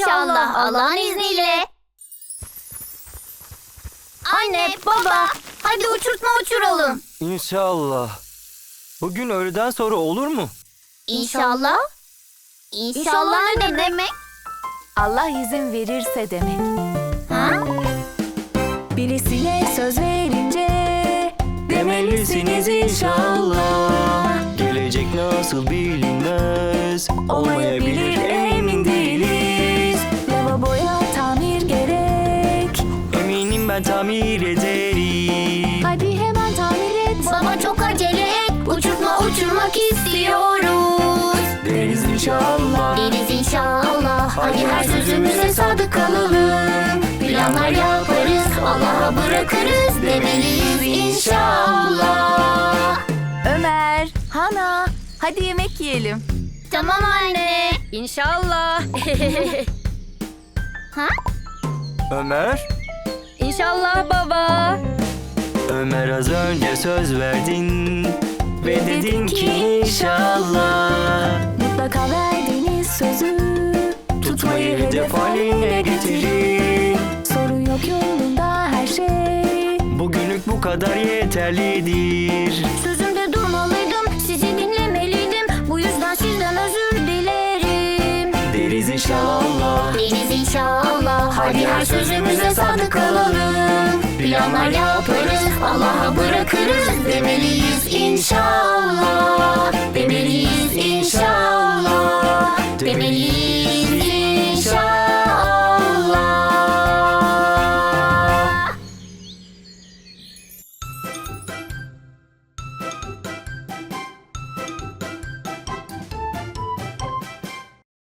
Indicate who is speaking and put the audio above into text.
Speaker 1: İnşallah Allah'ın izniyle. Anne, baba, hadi uçurtma uçuralım.
Speaker 2: İnşallah. Bugün öğleden sonra olur mu?
Speaker 1: İnşallah. İnşallah ne demek?
Speaker 3: Allah izin verirse demek.
Speaker 1: Ha?
Speaker 3: Birisine söz verince
Speaker 2: Demelisiniz inşallah. Gelecek nasıl bilinmez. Olmayabilir, emin değiliz.
Speaker 3: lavaboya tamir gerek.
Speaker 2: Eminim ben tamir ederim.
Speaker 3: Hadi hemen tamir et.
Speaker 1: Baba çok acele et. Uçurtma uçurmak istiyoruz.
Speaker 2: Deriz inşallah.
Speaker 1: Deriz inşallah. Hadi her sözümüze sadık kalalım. Planlar yaparız, Allah'a bırakırız demeliyiz inşallah.
Speaker 3: Ömer, Hana, hadi yemek yiyelim.
Speaker 1: Tamam anne.
Speaker 3: İnşallah.
Speaker 1: Ha?
Speaker 2: Ömer?
Speaker 3: İnşallah baba.
Speaker 2: Ömer, az önce söz verdin ve dedin ki inşallah.
Speaker 3: Mutlaka verdiğiniz sözü
Speaker 2: Tutmayı hedef haline getirin.
Speaker 3: sorun yok yolunda her şey.
Speaker 2: Bugünlük bu kadar yeterlidir.
Speaker 1: Sözümde durmalıydım, sizi dinlemeliydim. Bu yüzden sizden özür dilerim.
Speaker 2: Deriz inşallah.
Speaker 1: Deriz inşallah. Hadi her sözümüze sadık kalalım. Planlar yaparız, Allah'a bırakırız demeliyiz inşallah.